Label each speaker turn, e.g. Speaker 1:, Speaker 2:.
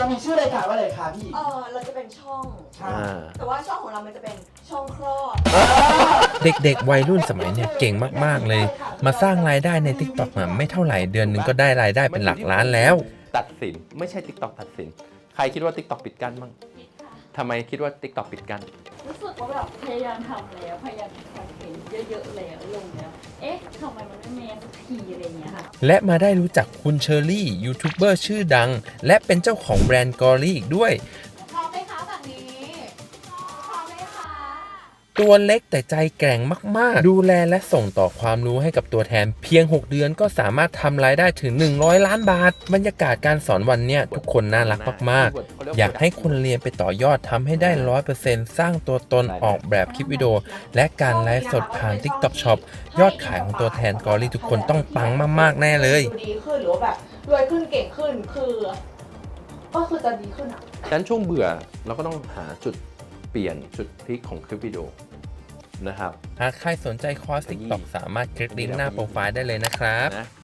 Speaker 1: มีชื่อรายการว่าอะไรคะพี่
Speaker 2: เราจะเป็นช่อง แต่ว่าช่องของเรามันจะเป็นช่องคลอด
Speaker 3: เด็กๆวัยรุ่นสมัยเนี่ยเก่งมากๆเลย มาสร้างรายได้ใน TikTok ไม่เท่าไหร่เดือนหนึงก็ได้รายได้เป็นหลักล้านแล้ว
Speaker 4: ตัดสินไม่ใช่ TikTok ตัดสินใครคิดว่า TikTok ปิดกั้นบ้างทำไมคิดว่า TikTok ปิดกั้น
Speaker 5: รู้สึกว่าแบบพยายามทำแล้วพยายามทำคอนเทนต์เยอะๆแล้วลงแล้วทำไมมันไม่แมสสักทีอะไรอย่างเงี้ยค่ะ
Speaker 3: และมาได้รู้จักคุณเชอรี่ยูทูบเบอร์ชื่อดัง และเป็นเจ้าของแบรนด์กอรี่อีกด้วย
Speaker 2: พร้อมไหมคะแบบนี้พร้อมไหมคะ
Speaker 3: ตัวเล็กแต่ใจแกร่งมากๆ ดูแลและส่งต่อความรู้ให้กับตัวแทนเพียง 6 เดือนก็สามารถทำรายได้ถึง 100 ล้านบาท บรรยากาศการสอนวันเนี้ยทุกคนน่ารักมากๆ อยากให้คนเรียนไปต่อยอดทำให้ได้ 100% สร้างตัวตนออกแบบคลิปวิดีโอ และการไลฟ์สดผ่าน TikTok Shop ยอดขายของตัวแทนกอรี่ทุกคนต้องปังมากๆแน่เลย
Speaker 2: ดูดีขึ้นหรือว่าแบบรวยขึ้นเก่งขึ้นคือจะดีขึ้นอ่ะ
Speaker 4: ดังนั้นช่วงเบื่อเราก็ต้องหาจุดเปลี่ยนจุดพลิกของคลิปวิดีโอนะครับ
Speaker 3: หากใครสนใจคอร์ส TikTok สามารถคลิกลิงก์หน้าโปรไฟล์ได้เลยนะครับ
Speaker 4: นะ